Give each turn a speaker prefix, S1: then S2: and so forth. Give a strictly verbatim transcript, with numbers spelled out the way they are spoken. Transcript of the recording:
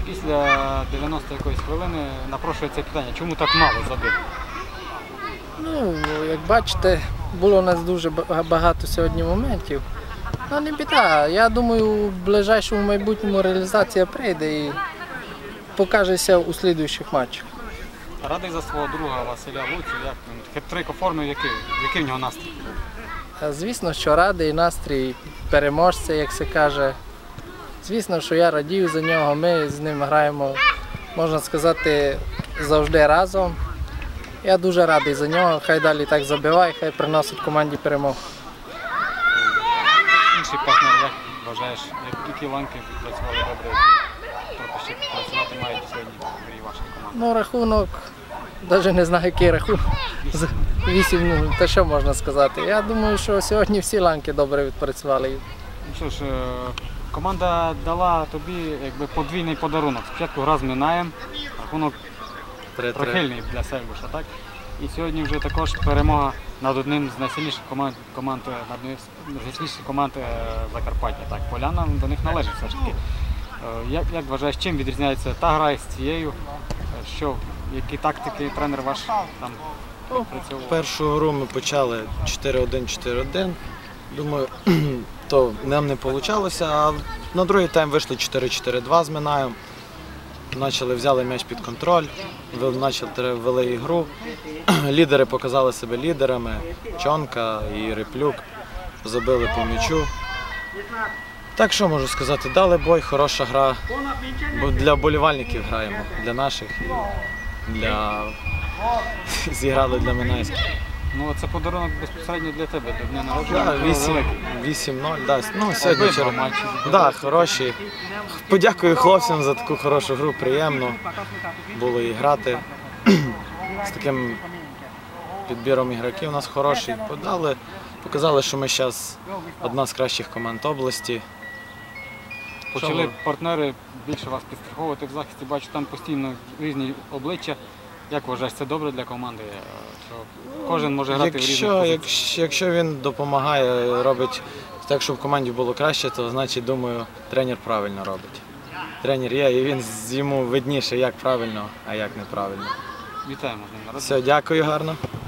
S1: після дев'яностої якоїсь хвилини напрошується питання, чому так мало забив?
S2: Ну, як бачите, було у нас дуже багато сьогодні моментів. Ну, не біда. Я думаю, в ближайшому майбутньому реалізація прийде і покажеться у слідуючих матчах.
S1: Радий за свого друга Василя Луцю, як він хет-трик оформив, який, який в нього настрій?
S2: Звісно, що радий, настрій переможця, як се каже. Звісно, що я радію за нього, ми з ним граємо, можна сказати, завжди разом. Я дуже радий за нього, хай далі так забиває, хай приносить команді перемогу.
S1: Інший партнер, як вважаєш, які ланки працювали добре, які трохи ще працювати мають сьогодні в грі вашої команди?
S2: Ну, рахунок, навіть не знаю, який рахунок. вісім нуль, та що можна сказати. Я думаю, що сьогодні всі ланки добре відпрацювали.
S1: Ну що ж, команда дала тобі якби подвійний подарунок. Спочатку гра з Минаєм, рахунок прихильний для Сельбуша, так? І сьогодні вже також перемога над одним з найсильніших команд, команд над однією з найсильніших команд Закарпаття. Так, Поляна до них належить все ж таки. Як, як вважаєш, чим відрізняється та гра із цією? Що, які тактики тренер ваш там працював?
S3: Першу гру ми почали чотири один чотири один. Думаю, то нам не вийшло, а на другий тайм вийшли чотири чотири два з Минаєм. Почали, взяли м'яч під контроль, почали вели ігру. Лідери показали себе лідерами, Чонка і Реплюк, забили по м'ячу. Так що можу сказати, дали бой, хороша гра. Бо для вболівальників граємо, для наших, для... зіграли для Минайських.
S1: Ну, це подарунок безпосередньо для тебе, до дня народження.
S3: вісім нуль, да. Ну, сьогодні вчора. Да, хороші. Подякую хлопцям за таку хорошу гру, приємно було і грати. З таким підбіром ігроків у нас хороший. Подали, показали, що ми зараз одна з кращих команд області.
S1: Почали партнери більше вас підстраховувати в захисті, бачу, там постійно різні обличчя. Як вважаєш, це добре для команди? Що кожен може грати
S3: якщо,
S1: в різних позиціях?
S3: Якщо, якщо він допомагає, робить так, щоб в команді було краще, то значить, думаю, тренер правильно робить. Тренер є, і він йому видніше, як правильно, а як неправильно.
S1: Вітаємо з ним народження.
S3: Все, дякую гарно.